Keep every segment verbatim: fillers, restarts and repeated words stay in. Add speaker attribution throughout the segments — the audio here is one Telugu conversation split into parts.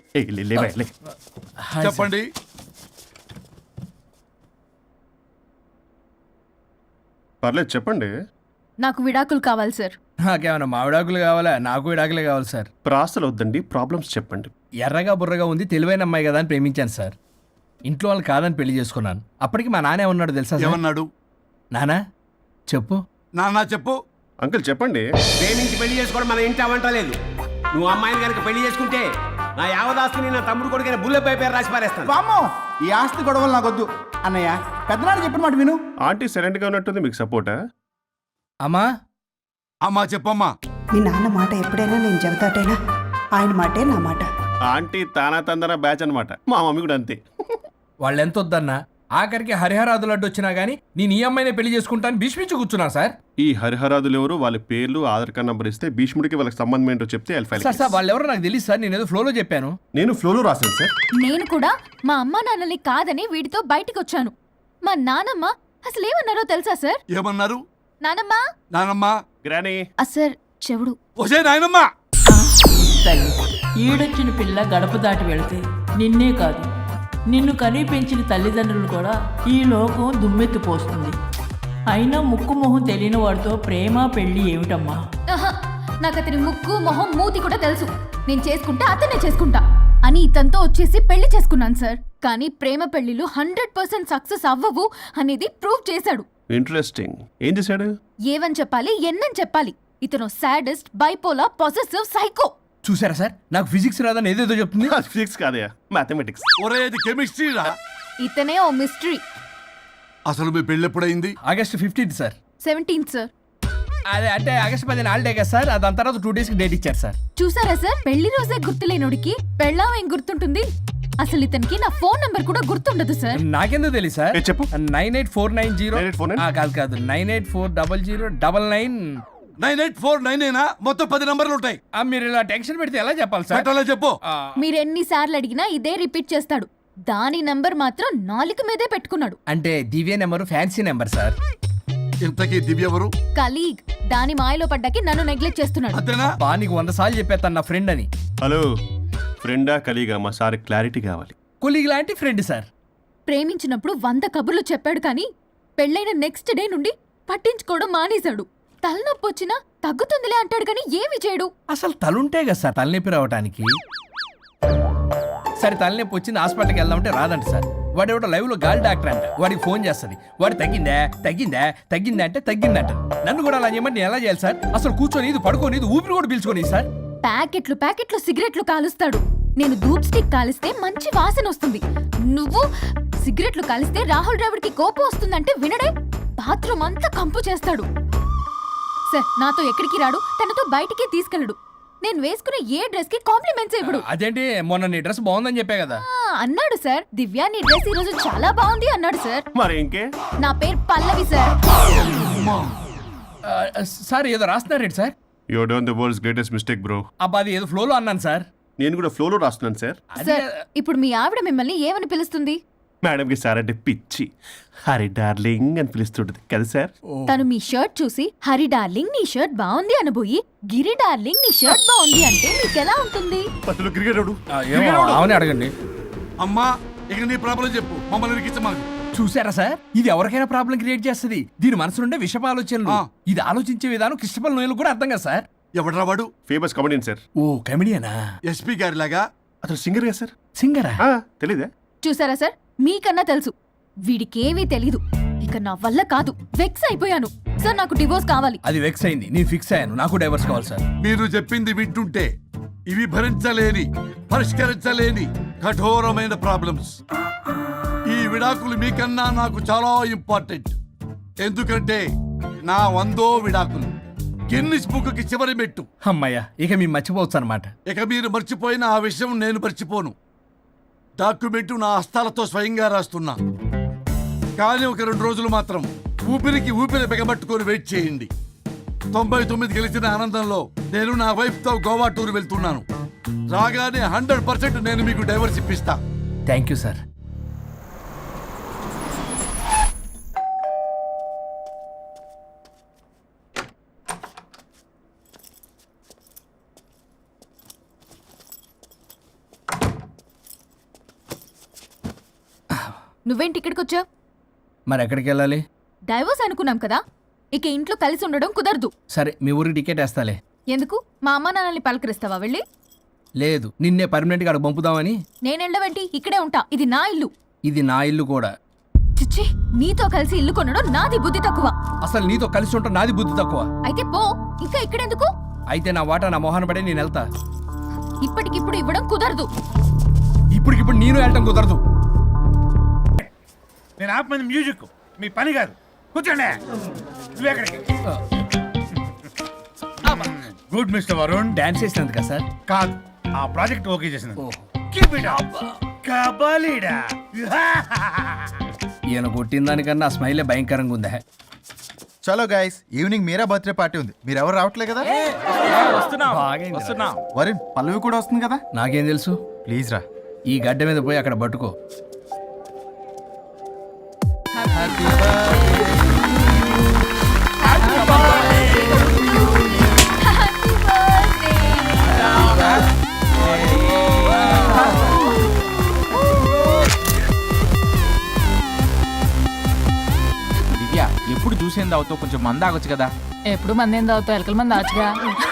Speaker 1: చెప్పండి.
Speaker 2: పర్లేదు చెప్పండి.
Speaker 3: నాకు విడాకులు కావాలి సార్.
Speaker 4: నాకేమన్నా మా విడాకులు కావాలా? నాకు విడాకులే కావాలి సార్.
Speaker 2: ప్రాసలు వద్దండి, ప్రాబ్లమ్స్ చెప్పండి.
Speaker 4: ఎర్రగా బుర్రగా ఉంది, తెలివైన అమ్మాయి కదా అని ప్రేమించాను సార్. ఇంట్లో వాళ్ళు కాదని పెళ్లి చేసుకున్నాను. అప్పటికి మా నాన్న ఏమన్నాడు తెలుసా సార్?
Speaker 1: ఏమన్నాడు?
Speaker 4: నానా చెప్పు.
Speaker 1: నాన్న చెప్పు.
Speaker 2: అంకుల్ చెప్పండి.
Speaker 5: ప్రేమించి పెళ్లి చేసుకోవడం మన ఇంటి అవంటలేదు. నువ్వు అమ్మాయిని కనుక పెళ్లి చేసుకుంటే నా యావదాస్తిని నా తమ్ముడు కొడుకైన బుల్లెపై పేరు రాసి పారేస్తాను.
Speaker 6: వామ్మో, ఈ ఆస్తి గొడవలు నాకొద్దు. అన్నయ్య, పెద్దనాడు చెప్పిన మాట విను.
Speaker 2: ఆంటీ సైలెంట్ గా ఉన్నట్టుంది, మీకు సపోర్టా?
Speaker 4: అమ్మా
Speaker 1: అమ్మా చెప్పమ్మా.
Speaker 7: మీ నాన్న మాట ఎప్పుడైనా నేను చెబుతాటేనా? ఆయన మాటే నా మాట.
Speaker 2: ఆంటీ తానా తందన బ్యాచ్ అనమాట. మా మమ్మీ కూడా అంతే.
Speaker 4: వాళ్ళు ఎంత వద్దన్నా ఆఖరికి హరిహరాదులు అడ్డు వచ్చినా గానీ నేను ఈ అమ్మాయినే పెళ్లి చేసుకుంటాను భీష్మించి కూర్చున్నా సార్.
Speaker 2: ఈ హరిహరాదులు ఎవరు, వాళ్ళ పేర్లు ఆధార్ కార్డ్ నంబర్ ఇస్తే భీష్ముడికి వాళ్ళకి సంబంధం ఏంటో చెప్తే
Speaker 4: సార్ సార్ వాళ్ళు ఎవరో నాకు తెలియదు సార్. నేను ఏదో ఫ్లోలో చెప్పాను.
Speaker 2: నేను ఫ్లోలో రాశాను సార్.
Speaker 3: నేను కూడా మా అమ్మ నాన్నని కాదని వీడితో బయటికి వచ్చాను. మా నానమ్మ అసలు ఏమన్నారో తెలుసా సార్?
Speaker 1: ఏమన్నారు?
Speaker 3: నానమ్మ
Speaker 1: నానమ్మా.
Speaker 2: గ్రానీ.
Speaker 3: సార్ చెవుడు.
Speaker 1: ఒసే నాయనమ్మా.
Speaker 8: తల్లి ఈడొచ్చిన పిల్ల గడప దాటి వెళితే నిన్నే కాదు నిన్ను కనీ పెంచిన తల్లిదండ్రులు కూడా ఈ లోకం దుమ్మెత్తిపోస్తుంది. అయినా ముక్కు మొహం తెలియని వాడితో ప్రేమ పెళ్లి ఏమిటమ్మా?
Speaker 3: నాకు అతని ముక్కు మొహం మూతి కూడా తెలుసు. నేను చేసుకుంటా అతనే చేసుకుంటా అని ఇతనితో వచ్చేసి పెళ్లి చేసుకున్నాను సార్. కానీ ప్రేమ పెళ్లిలు హండ్రెడ్ పర్సెంట్ సక్సెస్ అవ్వవు అనేది ప్రూవ్ చేశాడు.
Speaker 2: ఇంట్రెస్టింగ్. ఏం చేశాడు?
Speaker 3: ఏవని చెప్పాలి, ఎన్నని చెప్పాలి. ఇతను సాడెస్ట్, బైపోలా, పొసెసివ్, సైకో.
Speaker 4: చూసారా సార్, నాకు ఫిజిక్స్ రాదని ఏదేదో చెప్తుంది.
Speaker 2: ఫిజిక్స్ కాదయా, మ్యాథమెటిక్స్.
Speaker 1: ఒరే ఇది కెమిస్ట్రీ రా.
Speaker 3: ఇతనే ఓ మిస్టరీ.
Speaker 1: అసలు మీ పెళ్ళి ఎప్పుడైంది?
Speaker 4: August fifteenth sir.
Speaker 3: Seventeenth sir.
Speaker 4: అదే అంటే ఆగస్ట్ పదిహేను హాలిడే కదా సార్. దాని తర్వాత టూ డేస్ కి డేట్ ఇచ్చారు సార్.
Speaker 3: చూసారా సార్, పెళ్లి రోజే గుర్తులేనుడికి పెళ్ళాం ఏం గుర్తుంటుంది? అసలు ఇతనికి నా ఫోన్ నంబర్ కూడా గుర్తుండదు సార్.
Speaker 4: నాకెందుకు తెలియదు సార్?
Speaker 2: చెప్పు.
Speaker 4: Nine eight four nine zero కాదు కాదు nine eight four double zero double nine
Speaker 1: nine eight four nine అయినా మొత్తం పది నంబర్లు ఉంటాయి.
Speaker 4: మీరు ఇలా టెన్షన్ పెడితే ఎలా చెప్పాలి సార్?
Speaker 1: అలా చెప్పు.
Speaker 3: మీరు ఎన్నిసార్లు అడిగినా ఇదే రిపీట్ చేస్తాడు. దాని నంబర్ మాత్రం నాలుగు మీదే పెట్టుకున్నాడు.
Speaker 4: అంటే Divya number fancy number sir.
Speaker 1: ఇంతకీ దివ్య ఎవరు?
Speaker 3: కలీగ్. దాని మాయలో పడ్డాకి నన్ను నెగ్లెక్ట్ చేస్తున్నాడు.
Speaker 1: అంతేనా?
Speaker 4: బా నీకు వంద సార్లు చెప్పేస్తాను నా ఫ్రెండ్ అని.
Speaker 2: హలో, ఫ్రెండా కలీగా? మా సార్ క్లారిటీ కావాలి.
Speaker 4: కొలీగ్ లాంటి ఫ్రెండ్ సార్.
Speaker 3: ప్రేమించినప్పుడు వంద కబుర్లు చెప్పాడు కానీ పెళ్ళైన నెక్స్ట్ డే నుండి పట్టించుకోవడం మానేశాడు. తలనొప్పి వచ్చినా తగ్గుతుందిలే అంటాడు కానీ ఏమి చేయడు.
Speaker 4: అసలు తలుంటే కదా సార్ తలనొప్పి రావడానికి. సరే తలనొప్పి వచ్చింది హాస్పిటల్కి వెళ్దామంటే రాదంట సార్. వాడు ఎవడో లైవ్ లో గాలి డాక్టర్ అంట. వాడికి ఫోన్ చేస్తుంది. వాడు తగ్గిందా తగ్గిందా తగ్గిందా అంటే తగ్గిందంట. నన్ను కూడా అలా చేయమంటే నేను ఎలా చేయాలి సార్? అసలు కూర్చొని ఇది పడుకోని ఇది ఊపిరి కూడా పీల్చుకొని సార్.
Speaker 3: ప్యాకెట్లు ప్యాకెట్లు సిగరెట్లు కాలుస్తాడు. నేను ధూప్ స్టిక్ కాలిస్తే మంచి వాసన వస్తుంది. నువ్వు సిగరెట్లు కాలిస్తే రాహుల్ ద్రావిడ్ కి కోపం వస్తుందంటే వినడే. బాత్రూమ్ అంతా కంపు చేస్తాడు. సార్ నాతో ఎక్కడికి రాడు, తనతో బయటికి తీసుకెళ్ళడు. నేను వేసుకునే ఏ డ్రెస్ కి కాంప్లిమెంట్స్ ఇవ్వడు.
Speaker 4: అదేంటి మొన్న నీ డ్రెస్ బాగుందని చెప్పే కదా
Speaker 3: అన్నాడు సార్. దివ్య నీ డ్రెస్ ఈ రోజు చాలా బాగుంది అన్నాడు సార్.
Speaker 2: మరి ఇంకే?
Speaker 3: నా పేరు పల్లవి సార్.
Speaker 4: సార్ ఏదో రాస్తున్నారేంటి sir?
Speaker 2: You done the world's greatest mistake bro.
Speaker 4: అబ్బా అది ఏదో ఫ్లోలో అన్నాను సార్.
Speaker 2: నేను కూడా ఫ్లోలో రాస్తున్నాను సార్.
Speaker 3: సార్ ఇప్పుడు మీ ఆవిడ మిమ్మల్ని ఏమని పిలుస్తుంది?
Speaker 2: మేడంకి సార్ అంటే పిచ్చి. హరి డార్లింగ్ అని పిలుస్తుంటది కదా సార్.
Speaker 3: తను మీ షర్ట్ చూసి హరి డార్లింగ్ నీ షర్ట్ బాగుంది అనబోయి గిరి డార్లింగ్ నీ షర్ట్ బాగుంది అంటే మీకెలా ఉంటుంది?
Speaker 2: అసలు క్రికెట్
Speaker 4: అవునే అడగండి.
Speaker 1: అమ్మా ఇక నీ ప్రాబ్లం చెప్పు, మమ్మల్ని ఇరికించమాకు.
Speaker 4: చూసారా సార్, ఇది ఎవరికైనా ప్రాబ్లం క్రియేట్ చేస్తుంది. దీని మనసు నుండే విషప ఆలోచనలు. ఇది ఆలోచించే విధానం కృష్ణపల్ నోయలు కూడా అర్థం కదా సార్.
Speaker 1: ఎవడరా వాడు?
Speaker 2: Famous comedian sir.
Speaker 4: ఓ కమెడియనా?
Speaker 1: ఎస్పీ గారి లాగా.
Speaker 2: అతను సింగర్ గా సార్.
Speaker 4: సింగరా?
Speaker 2: తెలీదా?
Speaker 3: చూసారా సార్, మీకన్నా తెలుసు. వీడికేమీ తెలీదు. ఇక నా వల్ల కాదు, వెక్స్ అయిపోయాను సార్. నాకు డివోర్స్ కావాలి.
Speaker 4: అది వెక్స్ అయింది, నేను ఫిక్స్ అయ్యాను. నాకు డైవర్స్ కావాలి సార్.
Speaker 1: మీరు చెప్పింది వింటుంటే ఇవి భరించలేని పరిష్కరించలేని కఠోరమైన ప్రాబ్లమ్స్. ఈ విడాకులు మీకన్నా నాకు చాలా ఇంపార్టెంట్. ఎందుకంటే నా వందో విడాకులు గిన్నిస్ బుక్కి చివరి మెట్టు.
Speaker 4: అమ్మయ్యా, ఇక మేము మర్చిపోవచ్చు అనమాట.
Speaker 1: ఇక మీరు మర్చిపోయిన ఆ విషయం నేను మర్చిపోను. డాక్యుమెంటు నా హస్తాలతో స్వయంగా రాస్తున్నా. కానీ ఒక రెండు రోజులు మాత్రం ఊపిరికి ఊపిరి బిగబట్టుకొని వెయిట్ చేయండి. తొంభై తొమ్మిది గెలిచిన ఆనందంలో నేను నా వైఫ్తో గోవా టూర్ వెళ్తున్నాను. రాగానే హండ్రెడ్ పర్సెంట్ నేను మీకు డైవర్స్ ఇప్పిస్తా.
Speaker 4: Thank you sir.
Speaker 3: నువ్వేంటి ఇక్కడికి వచ్చావు?
Speaker 4: మరి ఎక్కడికి వెళ్ళాలి?
Speaker 3: డైవోర్స్ అనుకున్నాం కదా, ఇక ఇంట్లో కలిసి ఉండడం కుదరదు.
Speaker 4: సరే మీ ఊరికి టికెట్ వేస్తాలే.
Speaker 3: ఎందుకు? మా అమ్మ నాన్నల్ని పలకరిస్తావా వెళ్ళి?
Speaker 4: లేదు, నిన్నే పర్మనెంట్గా అక్కడ పంపుదామని.
Speaker 3: నేను వెళ్ళవేంటి, ఇక్కడే ఉంటా. ఇది నా ఇల్లు.
Speaker 4: ఇది నా ఇల్లు కూడా.
Speaker 3: చిచ్చి, నీతో కలిసి ఇల్లు కొనడం నాది బుద్ధి తక్కువ.
Speaker 4: అసలు నీతో కలిసి ఉంటా నాది బుద్ధి తక్కువ.
Speaker 3: అయితే పో, ఇంకా ఇక్కడెందుకు?
Speaker 4: అయితే నా వాటా నా మొహాన పడే నేను వెళ్తా.
Speaker 3: ఇప్పటికిప్పుడు ఇవ్వడం కుదరదు.
Speaker 4: ఇప్పటికిప్పుడు నేను వెళ్ళటం కుదరదు.
Speaker 9: నేను ఆపమంది మ్యూజిక్, మీ పని కాదు. కూర్చోండి. నువ్వెక్కడికి? Good mister Varun.
Speaker 4: డాన్స్ చేసినందుకా సార్?
Speaker 9: కాదు, ఆ ప్రాజెక్ట్ ఓకే చేసినందుకు.
Speaker 4: ఓ.
Speaker 9: Keep it up. కబాలీడా.
Speaker 4: ఈయన కొట్టిన దానికన్నా ఆ స్మైలే భయంకరంగా ఉందా?
Speaker 6: చలో guys, evening Meera birthday party ఉంది. మీరు ఎవరు రావట్లే కదా? వరుణ్, పల్లవి కూడా వస్తుంది కదా?
Speaker 4: నాకేం తెలుసు?
Speaker 6: ప్లీజ్ రా.
Speaker 4: ఈ గడ్డ మీద పోయి అక్కడ పట్టుకో.
Speaker 10: దివ్య, ఎప్పుడు చూసేంది అవుతావు, కొంచెం మంద ఆగొచ్చు కదా.
Speaker 8: ఎప్పుడు మంది ఏం తాగుతావు? ఎలకల మంది ఆచుగా.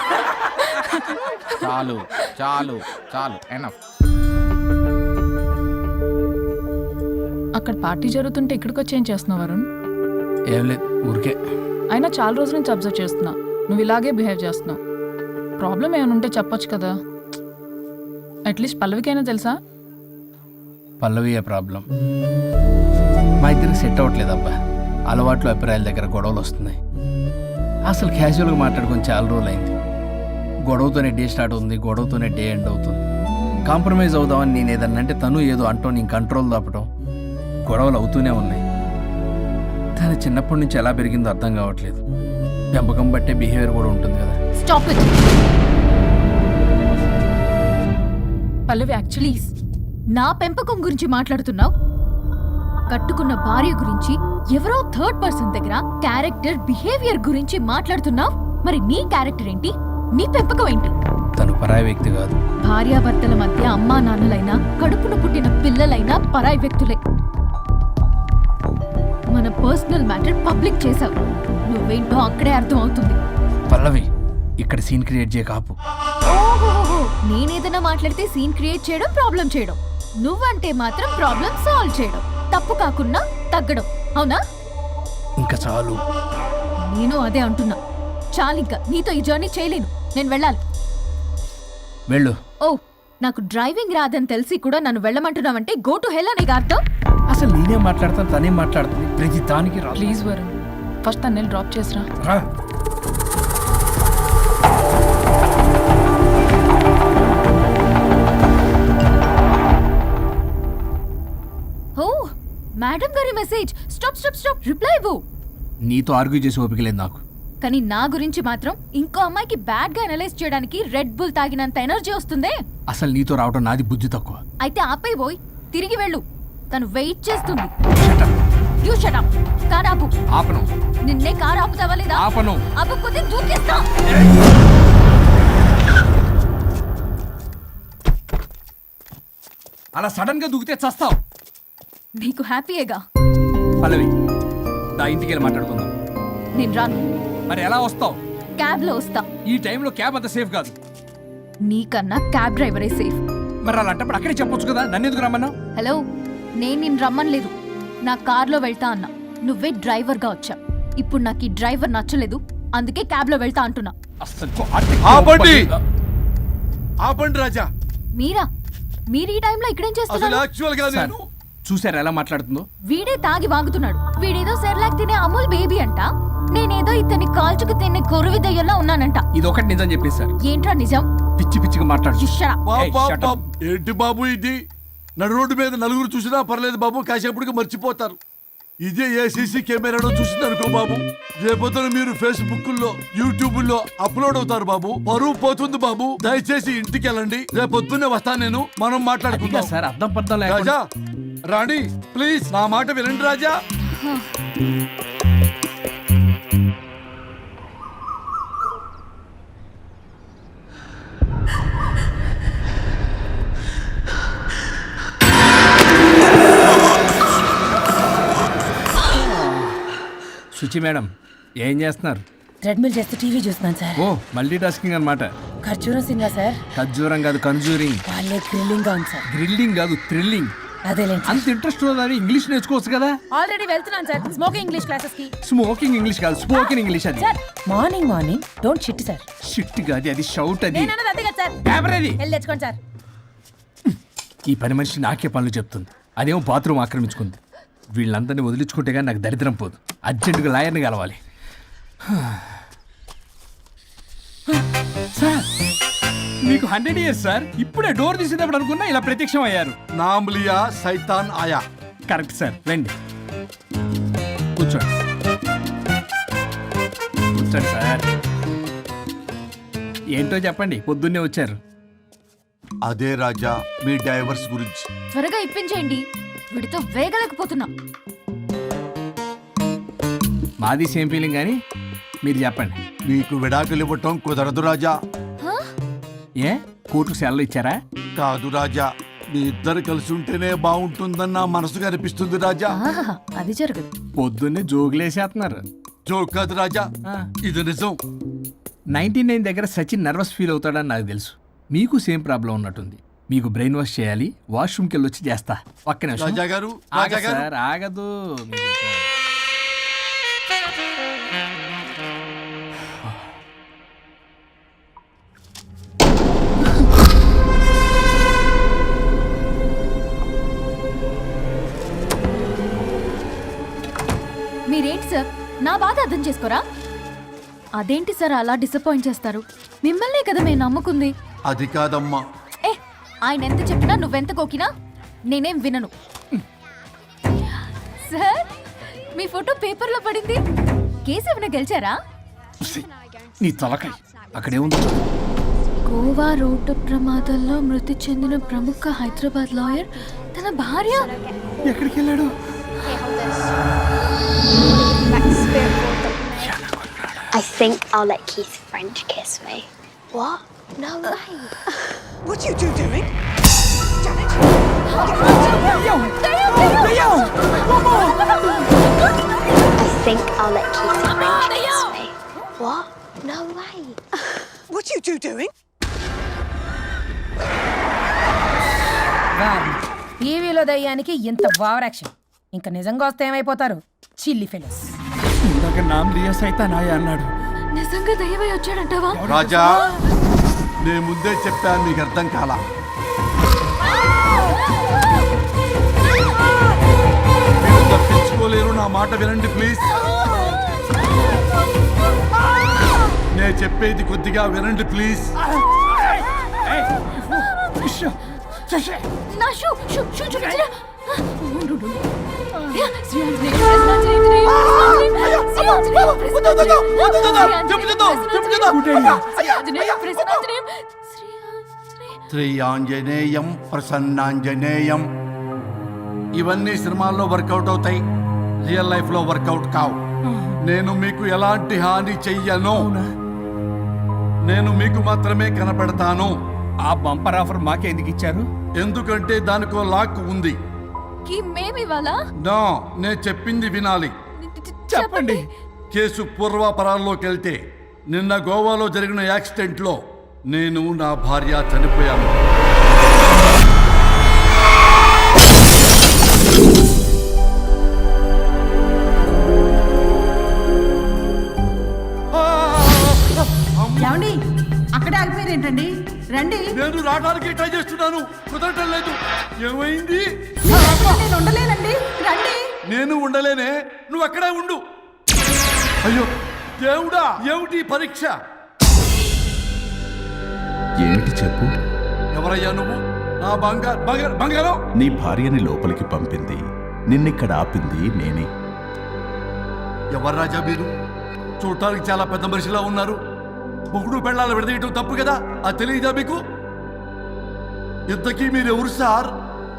Speaker 10: చాలు చాలు చాలు ఎనఫ్.
Speaker 8: అక్కడ పార్టీ జరుగుతుంటే ఇక్కడికి వచ్చి ఏం చేస్తున్నావు వరుణ్?
Speaker 4: ఏం లేదు, ఊరికే.
Speaker 8: అయినా చాలా రోజుల నుంచి అబ్జర్వ్ చేస్తున్నా, నువ్వు ఇలాగే బిహేవ్ చేస్తున్నావు. ప్రాబ్లం ఏమైనా ఉంటే చెప్పొచ్చు కదా. అట్లీస్ట్ పల్లవికైనా తెలుసా?
Speaker 4: పల్లవియే ప్రాబ్లం. మా ఇద్దరికి సెట్ అవ్వట్లేదు అబ్బా. అలవాట్లు అభిప్రాయాల దగ్గర గొడవలు వస్తున్నాయి. అసలు క్యాజువల్గా మాట్లాడుకొని చాలా రోజులు అయింది. గొడవతోనే డే స్టార్ట్ అవుతుంది, గొడవతోనే డే ఎండ్ అవుతుంది. కాంప్రమైజ్ అవుదామని నేను ఏదన్నా అంటే తను ఏదో అంటూ నేను కంట్రోల్ తప్పడం, గొడవలు అవుతూనే ఉన్నాయి. తను చిన్నప్పటి నుంచి ఎలా పెరిగిందో అర్థం కావట్లేదు. పెంపకం బట్టే బిహేవియర్ కూడా ఉంటుంది కదా.
Speaker 3: Stop it.
Speaker 8: పల్లవి యాక్చువల్లీ
Speaker 3: నా పెంపకం గురించి మాట్లాడుతున్నావు? కట్టుకున్న భార్య గురించి ఎవరో థర్డ్ పర్సన్ దగ్గర క్యారెక్టర్ బిహేవియర్ గురించి మాట్లాడుతున్నావు. మరి నీ క్యారెక్టర్ ఏంటి? నీ పెంపకం ఏంటి?
Speaker 4: తను పరాయి వ్యక్తి కాదు.
Speaker 3: భార్యాభర్తల మధ్య అమ్మా నాన్నలైనా కడుపున పుట్టిన పిల్లలైనా పరాయి వ్యక్తులే. మన పర్సనల్ మ్యాటర్ పబ్లిక్ చేసావు. నువ్వేంటో అక్కడే అర్థం అవుతుంది.
Speaker 4: పల్లవి, ఇక్కడ సీన్ క్రియేట్ చేయ కాపు.
Speaker 3: ఓహోహో, నేనేదైనా మాట్లాడితే సీన్ క్రియేట్ చేయడం, ప్రాబ్లం చేయడం. నువ్వంటే మాత్రం ప్రాబ్లం సాల్వ్ చేయడం, తప్పు కాకుండా తగ్గడం. అవునా?
Speaker 4: ఇంకా చాలు.
Speaker 3: నేను అదే అంటున్నా. చాలింకా, నీతో ఈ జర్నీ చేయలేను. నేను వెళ్ళాలి.
Speaker 4: వెళ్ళు.
Speaker 3: ఓ, నాకు డ్రైవింగ్ రాదని తెలిసి కూడా నన్ను వెళ్ళమంటున్నావంటే గో టు హెల్ అనే అర్థం.
Speaker 4: అసలు నేనే మాట్లాడతాను, తనే మాట్లాడుతుంది. ప్రతి దానికి రా.
Speaker 8: ప్లీజ్ వరుణ్, ఫస్ట్ తను డ్రాప్ చేసిరా.
Speaker 4: రా.
Speaker 3: ఓ, మేడం గారి message. Stop stop stop, reply ఇవ్వు.
Speaker 4: నీతో ఆర్గ్యూ చేసి ఓపిక లేదు నాకు.
Speaker 3: కానీ నా గురించి మాత్రం ఇంకో అమ్మాయికి బ్యాడ్ గా అనలైజ్ చేయడానికి రెడ్ బుల్ తాగినంత ఎనర్జీ వస్తుందే.
Speaker 4: అసలు నీతో రావడం నాది బుద్ధి తక్కువ.
Speaker 3: అయితే ఆపై పోయి తిరిగి వెళ్ళు. తను వెయిట్ చేస్తుంది. You shut up. కార్ ఆపు.
Speaker 4: ఆపను.
Speaker 3: నిన్నే కార్ ఆపుతావా లేదా?
Speaker 4: ఆపను.
Speaker 3: ఆపకపోతే దూకేస్తా.
Speaker 4: అలా సడన్ గా దూకితే చస్తావు.
Speaker 3: నీకు హ్యాపీయేగా?
Speaker 4: పల్లవి, దా ఇంటికి వెళ్ళి మాట్లాడుకుందాం.
Speaker 3: నేను రాను.
Speaker 4: మరి ఎలా వస్తావు?
Speaker 3: క్యాబ్ లో వస్తా.
Speaker 4: ఈ టైంలో క్యాబ్ అంత సేఫ్ కాదు.
Speaker 3: నీకన్నా క్యాబ్ డ్రైవరే సేఫ్.
Speaker 4: మరి అలాంటప్పుడు అక్కడే చెప్పొచ్చు కదా, నన్ను ఎందుకు రమ్మన్నావు?
Speaker 3: హలో, నేను నిన్ను రమ్మనలేదు. నా కార్లో వెళ్తా అన్నా. నువ్వే డ్రైవర్ గా వచ్చా. ఇప్పుడు నాకు ఈ డ్రైవర్ నచ్చలేదు, అందుకే క్యాబ్ లో వెళ్తా అంటున్నా.
Speaker 4: అస్సలు
Speaker 1: ఆపండి. ఆపండి రాజా.
Speaker 3: మీరా? మీరు ఈ టైంలో ఇక్కడేం
Speaker 1: అసలు
Speaker 3: చేస్తున్నారు?
Speaker 1: యాక్చువల్ గా నేను
Speaker 4: చూసారా ఎలా మాట్లాడుతుందో?
Speaker 3: వీడే తాగి వాగుతున్నాడు. వీడేదో సెర్లాక్ తినే అమూల్ బేబీ అంట. నేనేదో ఇతన్ని కాల్చుకు తినే కొరువి దయ్యంలో ఉన్నానంట.
Speaker 4: ఇది ఒకటి నిజం చెప్పేశారు.
Speaker 3: ఏంట్రా నిజం?
Speaker 4: పిచ్చి పిచ్చిగా మాట్లాడు.
Speaker 3: You shut up.
Speaker 1: Bob
Speaker 4: Hey,
Speaker 1: Bob
Speaker 4: shut up.
Speaker 1: Bob. ఏంటి బాబు ఇది? నడు రోడ్డు మీద నలుగురు చూసినా పర్లేదు బాబు, కాసేపటికి మర్చిపోతారు. ఇదే ఏ సీసీ కెమెరాలో చూసింది అనుకో బాబు, రేపొద్దున మీరు ఫేస్బుక్ లో యూట్యూబ్ లో అప్లోడ్ అవుతారు బాబు. పరువు పోతుంది బాబు. దయచేసి ఇంటికి వెళ్ళండి. రేపొద్దునే వస్తాను నేను, మనం మాట్లాడుకుందాం.
Speaker 4: సార్ అర్థం పర్థం
Speaker 1: రాజా
Speaker 4: లేకుండా.
Speaker 1: రాణి, ప్లీజ్ నా మాట వినండి రాజా.
Speaker 4: రుచి మేడం ఏం చేస్తున్నారు?
Speaker 11: ట్రెడ్మిల్ చేస్తూ టీవీ చూస్తున్నాను సార్.
Speaker 4: ఓ మల్టీ టాస్కింగ్ అనమాట.
Speaker 11: ఖర్జూరం సినిమా సార్.
Speaker 4: ఖర్జూరం కాదు కన్జూరింగ్.
Speaker 11: వాళ్ళే థ్రిల్లింగ్ గా ఉంది సార్.
Speaker 4: గ్రిల్లింగ్ కాదు థ్రిల్లింగ్.
Speaker 11: అదేలేండి.
Speaker 4: అంత ఇంట్రెస్ట్ ఉన్నదని ఇంగ్లీష్ నేర్చుకోవచ్చు కదా.
Speaker 11: ఆల్రెడీ వెళ్తున్నాను సార్ స్మోకింగ్ ఇంగ్లీష్ క్లాసెస్ కి.
Speaker 4: స్మోకింగ్ ఇంగ్లీష్ కాదు స్పోకెన్ ఇంగ్లీష్ అది.
Speaker 11: Sir morning morning don't shit sir.
Speaker 4: Shit కాదు అది షౌట్ అది.
Speaker 11: నేనన్నది అదే కదా సార్.
Speaker 4: పేపర్ అది.
Speaker 11: వెళ్ళి తెచ్చుకోండి సార్.
Speaker 4: ఈ పని మనిషి నాకే పనులు చెప్తుంది, అదేమో బాత్రూమ్ ఆక్రమించుకుంది. వీళ్ళందరినీ వదిలించుకుంటే కానీ నాకు దరిద్రం పోదు. అర్జెంటుగా లాయర్ని కలవాలి. సార్ మీకు హండ్రెడ్ ఇయర్స్ సార్. ఇప్పుడే డోర్ తీసేటప్పుడు అనుకున్నా ఇలా ప్రత్యక్షం అయ్యారు.
Speaker 1: నామ్లియా సైతాన్ ఆయా.
Speaker 4: Correct sir. రండి కూర్చోండి కూర్చోండి సార్. ఏంటో చెప్పండి, పొద్దున్నే వచ్చారు.
Speaker 1: అదే రాజా మీ డైవర్స్ గురించి.
Speaker 3: త్వరగా ఇప్పించేయండి, వీడితో వేగలేకపోతున్నా.
Speaker 4: మాది సేమ్ ఫీలింగ్ కానీ మీరు చెప్పండి.
Speaker 1: మీకు విడాకులు ఇవ్వటం కుదరదు రాజా.
Speaker 3: హా?
Speaker 4: ఏ కోర్టు సెలవు ఇచ్చారా?
Speaker 1: కాదు రాజా, మీ ఇద్దరు కలిసి ఉంటేనే బాగుంటుందని నా మనసుకు అనిపిస్తుంది రాజా.
Speaker 3: ఆహాహా, అది జరగదు.
Speaker 4: పొద్దున్నే జోగులేసేస్తున్నారు.
Speaker 1: జోక్ కాదు రాజా,
Speaker 4: ఆ.
Speaker 1: ఇది నిజం.
Speaker 4: నైన్టీ నైన్ దగ్గర సచిన్ నర్వస్ ఫీల్ అవుతాడని నాకు తెలుసు. మీకు సేమ్ ప్రాబ్లం ఉన్నట్టుంది. మీకు బ్రెయిన్ వాష్ చేయాలి. వాష్రూమ్కి వెళ్ళి వచ్చి చేస్తా. ఒక్క నిమిషం.
Speaker 1: రాజా గారు
Speaker 4: ఆగదు
Speaker 1: రాజా గారు
Speaker 4: సార్ ఆగదు. మీరు ఇంకా-
Speaker 3: మీరేంటి సార్ నా బాధ అర్థం చేసుకోరా? అదేంటి సార్ అలా డిసప్పాయింట్ చేస్తారు? మిమ్మల్నే కదా మేము నమ్ముకుంది.
Speaker 1: అది కాదమ్మా.
Speaker 3: ఏ ఆయన ఎంత చెప్పినా నువ్వెంత కోకినా నేనేం వినను. సార్ మీ ఫోటో పేపర్లో పడింది. కేసు ఏమైనా గెలిచారా?
Speaker 4: నీ తలకాయ అక్కడే ఉంది.
Speaker 3: గోవా రోడ్డు ప్రమాదంలో మృతి చెందిన ప్రముఖ హైదరాబాద్ లాయర్ తన భార్య
Speaker 4: ఎక్కడికి వెళ్ళాడు?
Speaker 12: I think I'll let Keith French kiss me. What? No way.
Speaker 7: What you two doing?
Speaker 12: I think I'll let Keith French kiss me. What? No way.
Speaker 7: What you two doing?
Speaker 11: టీవీలో దయ్యానికి ఇంత ఓవర్ యాక్షన్. ఇంకా నిజంగా వస్తే ఏమైపోతారు? చిల్లి ఫెలోస్.
Speaker 4: ఇందాక నామ్ లియా సైతానాయ అన్నాడు.
Speaker 3: నిజంగా దయ్యమై వచ్చాడంటావా?
Speaker 1: రాజా నేను ముందే చెప్పాను, మీకు అర్థం కాలా. మీరు తప్పించుకోలేరు, నా మాట వినండి ప్లీజ్. నేను చెప్పేది కొద్దిగా వినండి ప్లీజ్.
Speaker 3: నా షూ షూ షూ చూపించరా? శ్రీ ఆంజనేయ ప్రసన్నాంజనేయ
Speaker 1: శ్రీ ఆంజనేయం ప్రసన్నాంజనేయం. ఇవన్నీ సినిమాల్లో వర్కౌట్ అవుతాయి, రియల్ లైఫ్ లో వర్కౌట్ కావు. నేను మీకు ఎలాంటి హాని చెయ్యను. నేను మీకు మాత్రమే కనపడతాను.
Speaker 4: ఆ బంపర్ ఆఫర్ మాకే ఎందుకు ఇచ్చారు?
Speaker 1: ఎందుకంటే దానికో లాక్ ఉంది.
Speaker 3: కి మేమివాలా?
Speaker 1: నో, నేను చెప్పింది వినాలి.
Speaker 4: చెప్పండి.
Speaker 1: కేసు పూర్వాపరాల్లోకి వెళ్తే నిన్న గోవాలో జరిగిన యాక్సిడెంట్లో నేను నా భార్య చనిపోయాను.
Speaker 7: ఏమండి అక్కడే ఆగిపోయారు ఏంటండి? రండి.
Speaker 1: నేను రావడానికి ట్రై చేస్తున్నాను, కుదరటం లేదు. ఏమైంది?
Speaker 7: నేను ఉండలేనండి. రండి.
Speaker 1: నేను ఉండలేనే, నువ్వు అక్కడే ఉండు. అయ్యో దేవుడా, ఏమిటి ఈ పరీక్ష?
Speaker 13: ఏమిటి చెప్పు.
Speaker 1: ఎవరయ్యా నువ్వు? నా బంగారు బంగారు బంగారం.
Speaker 13: నీ భార్యని లోపలికి పంపింది, నిన్నిక్కడ ఆపింది నేనే.
Speaker 1: ఎవరు రాజా మీరు? చూడటానికి చాలా పెద్ద మనిషిలా ఉన్నారు. మొగుడు పెళ్ళాలు విడదీయటం తప్పు కదా, అది తెలియదా మీకు? ఇంతకీ మీరు ఎవరు సార్?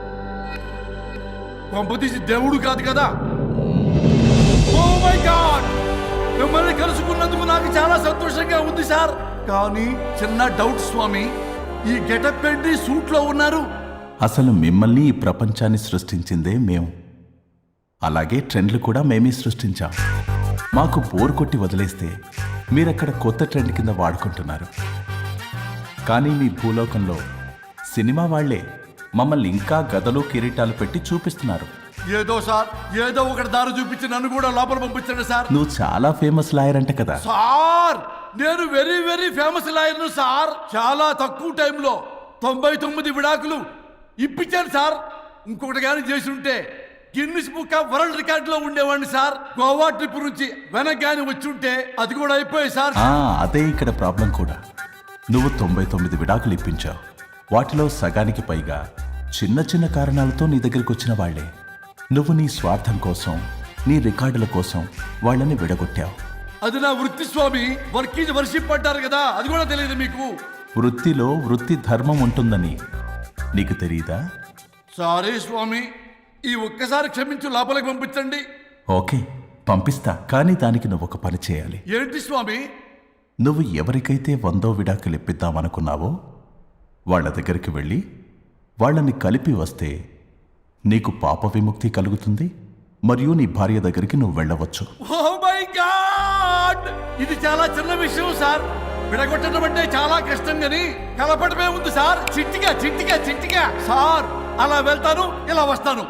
Speaker 1: పంపతీసి దేవుడు కాదు కదా? ఓ మై గాడ్, మిమ్మల్ని కలుసుకున్నందుకు నాకు చాలా సంతోషంగా ఉంది సార్. కానీ చిన్న డౌట్ స్వామి, ఈ గెటప్ ఏంటి సూట్ లో ఉన్నారు?
Speaker 13: అసలు మిమ్మల్ని ఈ ప్రపంచాన్ని సృష్టించిందే మేము, అలాగే ట్రెండ్లు కూడా మేమే సృష్టించాం. మాకు బోర్ కొట్టి వదిలేస్తే మీరక్కడ కొత్త ట్రెండ్ కింద వాడుకుంటున్నారు. కానీ మీ భూలోకంలో సినిమా వాళ్లే మమ్మల్ని ఇంకా గదలు కిరీటాలు పెట్టి చూపిస్తున్నారు.
Speaker 1: ఏదో సార్ ఏదో ఒకటి దారి చూపించి నన్ను కూడా లోపల పంపించండి సార్.
Speaker 13: నువ్వు చాలా ఫేమస్ లాయర్ అంట కదా.
Speaker 1: సార్ నేను వెరీ వెరీ ఫేమస్ లాయర్ను సార్. చాలా తక్కువ టైంలో తొంభై తొమ్మిది విడాకులు ఇప్పించాను సార్. ఇంకొకటి కానీ చేసి ఉంటే Guinness book of world record లో ఉండేవాడిని సార్. గోవా ట్రిప్ నుంచి వెనక్ గాని వచ్చి ఉంటే అది కూడా అయిపోయాయి సార్.
Speaker 13: ఆ, అదే ఇక్కడ ప్రాబ్లం కూడా. నువ్వు తొంభై తొమ్మిది విడాకులు ఇప్పించావు. వాటిలో సగానికి పైగా చిన్న చిన్న కారణాలతో నీ దగ్గరికి వచ్చిన వాళ్లే. నువ్వు నీ స్వార్థం కోసం, నీ రికార్డుల కోసం వాళ్ళని విడగొట్టావు.
Speaker 1: అది నా వృత్తి స్వామి. వర్క్ ఈజ్ వర్షిప్ అంటారు కదా, అది కూడా తెలియదు మీకు.
Speaker 13: వృత్తిలో వృత్తి ధర్మం ఉంటుందని నీకు తెలియదా?
Speaker 1: సారీ స్వామి, ఈ ఒక్కసారి క్షమించు, లోపలికి పంపించండి.
Speaker 13: ఓకే, పంపిస్తా. కానీ దానికి నువ్వు ఒక పని చేయాలి.
Speaker 1: ఏంటి స్వామి?
Speaker 13: నువ్వు ఎవరికైతే వందో విడాకులు ఇప్పిద్దామనుకున్నావో వాళ్ళ దగ్గరికి వెళ్ళి వాళ్ళని కలిపి వస్తే నీకు పాప విముక్తి కలుగుతుంది. మరియు నీ భార్య దగ్గరికి నువ్వు వెళ్ళవచ్చు.
Speaker 1: ఓ మై గాడ్, ఇది చాలా చిన్న విషయం సార్. విడగొట్టడం అంటే చాలా కష్టం గని కలపడమే ఉంది సార్. చిట్టిగా చిట్టిగా చిట్టిగా సార్. అలా వెళ్తాను, ఇలా వస్తాను.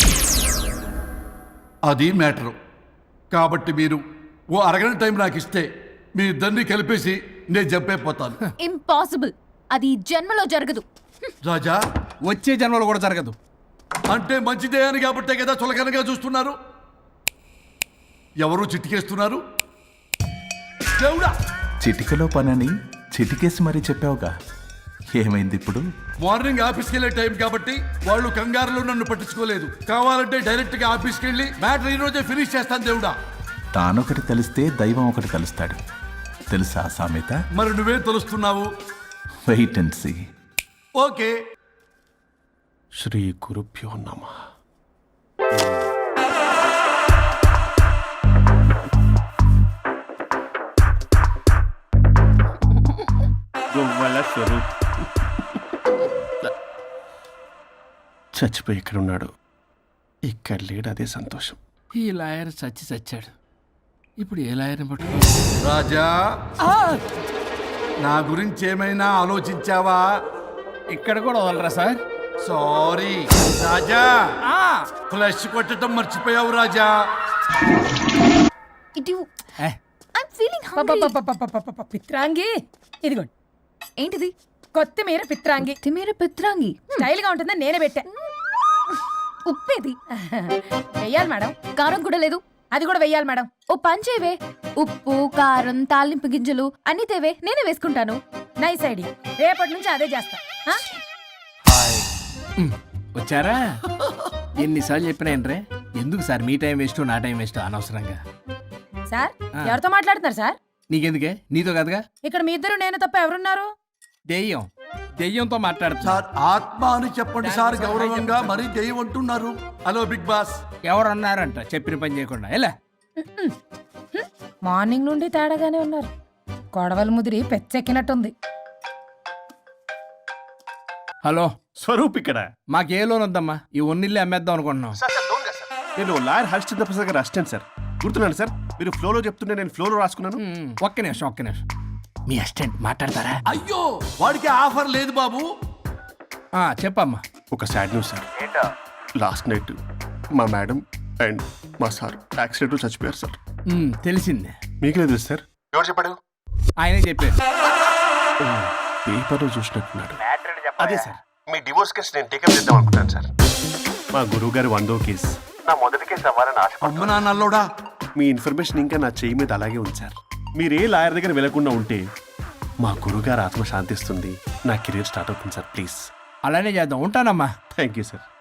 Speaker 1: అది మ్యాటరు. కాబట్టి మీరు ఓ అరగంట టైం నాకు ఇస్తే మీ ఇద్దరిని కలిపేసి నేను జంపైపోతాను.
Speaker 3: ఇంపాసిబుల్. అది ఈ జన్మలో జరగదు.
Speaker 1: రాజా,
Speaker 4: వచ్చే జన్మలో కూడా జరగదు.
Speaker 1: అంటే మంచిదే అని కాబట్టే కదా చులకనగా చూస్తున్నారు. ఎవరు చిట్టికేస్తున్నారు? దేవుడా,
Speaker 13: చిటికలో పనని చిటికేసి మరీ చెప్పావుగా. ఏమైంది ఇప్పుడు?
Speaker 1: మార్నింగ్ ఆఫీస్కి వెళ్ళే టైం కాబట్టి వాళ్ళు కంగారులో నన్ను పట్టించుకోలేదు. కావాలంటే డైరెక్ట్ గా ఆఫీస్కి వెళ్ళి మ్యాటర్ ఈ రోజే ఫినిష్ చేస్తాను. దేవుడా,
Speaker 13: తానొకటి తెలిస్తే దైవం ఒకటి కలుస్తాడు. తెలుసా సామెత?
Speaker 1: మరి నువ్వేం తెలుస్తున్నావు?
Speaker 13: Wait and see.
Speaker 1: ఓకే.
Speaker 2: శ్రీ గురుభ్యో నమః. గొవ్వల స్వరూప్ చచ్చిపోయి ఇక్కడ ఉన్నాడు. ఇక్కడ లేడు, అదే సంతోషం.
Speaker 4: ఈ లాయర్ చచ్చి చచ్చాడు. ఇప్పుడు ఏ లాయర్ని పట్టుకో?
Speaker 1: రాజా, నా గురించి ఏమైనా ఆలోచించావా?
Speaker 4: ఇక్కడ కూడా వదలరా సార్?
Speaker 1: సారీ రాజా, ఫ్లష్ కొట్టడం మర్చిపోయావు రాజా.
Speaker 3: ఇటు
Speaker 4: ఏ,
Speaker 3: ఐమ్ ఫీలింగ్ హంగ్రీ.
Speaker 11: పపపపపపపపప, పిత్రాంగి ఇదిగోండి.
Speaker 3: ఏంటిది?
Speaker 11: కొత్తిమీర పిత్రాంగి.
Speaker 3: తిమీర పిత్రాంగి.
Speaker 11: స్టైల్ గా ఉంటుందని నేనే పెట్టా.
Speaker 3: ఉప్పేది?
Speaker 11: వెయ్యాలి మేడం.
Speaker 3: కారం కూడా లేదు.
Speaker 11: అది కూడా వెయ్యాలి మేడం.
Speaker 3: ఓ పంచేవే. ఉప్పు, కారం, తాలింపు గింజలు అన్ని తేవే, నేనే వేసుకుంటాను.
Speaker 11: Nice idea. రేపటి నుంచి అదే చేస్తా. ఆ?
Speaker 4: వచ్చారా? ఎన్నిసార్లు చెప్పినాయండ్రే, ఎందుకు సార్ మీ టైం వేస్ట్ నా టైం వేస్ట్ అనవసరంగా?
Speaker 11: సార్, ఎవరితో మాట్లాడుతున్నారు సార్?
Speaker 4: నీకెందుకే, నీతో కదగా.
Speaker 11: ఇక్కడ మీ ఇద్దరు నేను తప్ప ఎవరున్నారు?
Speaker 4: దెయ్యం దెయ్యంతో మాట్లాడుతా.
Speaker 1: సార్, ఆత్మ అని చెప్పండి సార్ గౌరవంగా. మరీ దెయ్యం అంటున్నారు. Hello big boss.
Speaker 4: ఎవరు అన్నారంట చెప్పిన పని చేయకుండా? ఎలా
Speaker 11: మార్నింగ్ నుండి తేడాగానే ఉన్నారు. కొడవల ముదిరి పెచ్చెక్కినట్టుంది.
Speaker 4: హలో
Speaker 2: స్వరూప్ ఇక్కడ.
Speaker 4: మాకే లోన్ వద్దమ్మా, ఈ ఒన్నిల్లు అమ్మేద్దాం అనుకుంటున్నాం.
Speaker 2: నేను లాయర్ హరిశ్చంద్ర ప్రసాద్ గారు అసిస్టెంట్ సార్. గుర్తున్నాను సార్, మీరు ఫ్లోలో చెప్తుంటే నేను ఫ్లోలో రాసుకున్నాను.
Speaker 4: మ్మ్, ఒక్క నిమిషం ఒక్క నిమిషం. మీ అసిస్టెంట్ మాట్లాడతారా?
Speaker 1: అయ్యో, వాడికి ఆఫర్ లేదు బాబు.
Speaker 4: ఆ, చెప్పమ్మా.
Speaker 2: ఒక sad news sir. Last night మా మేడం అండ్ మా సార్ యాక్సిడెంట్ చచ్చిపోయారు సార్.
Speaker 4: మ్మ్, తెలిసిందే.
Speaker 2: మీకు లేదు సార్. ఎవరు చెప్పాడు?
Speaker 4: ఆయనే చెప్పారు.
Speaker 2: పేపర్లో చూసినట్టున్నాడు. అదే సార్, మీ డివోర్స్ కేసు నేను టేకప్ చేద్దాం అనుకుంటాను సార్. మా గురువు గారి వందో కేసు నా మొదటి కేసు అవ్వాలని ఆశ.
Speaker 1: అమ్మ నాన్నల్లోడా,
Speaker 2: మీ ఇన్ఫర్మేషన్ ఇంకా నా చెయ్యి మీద అలాగే ఉంది సార్. మీరు ఏ లాయర్ దగ్గర వెళ్లకుండా ఉంటే మా గురుగారు ఆత్మ శాంతిస్తుంది. నా కెరీర్ స్టార్ట్ అవుతుంది సార్. ప్లీజ్
Speaker 4: అలానే చేద్దాం. ఉంటానమ్మా.
Speaker 2: Thank you sir.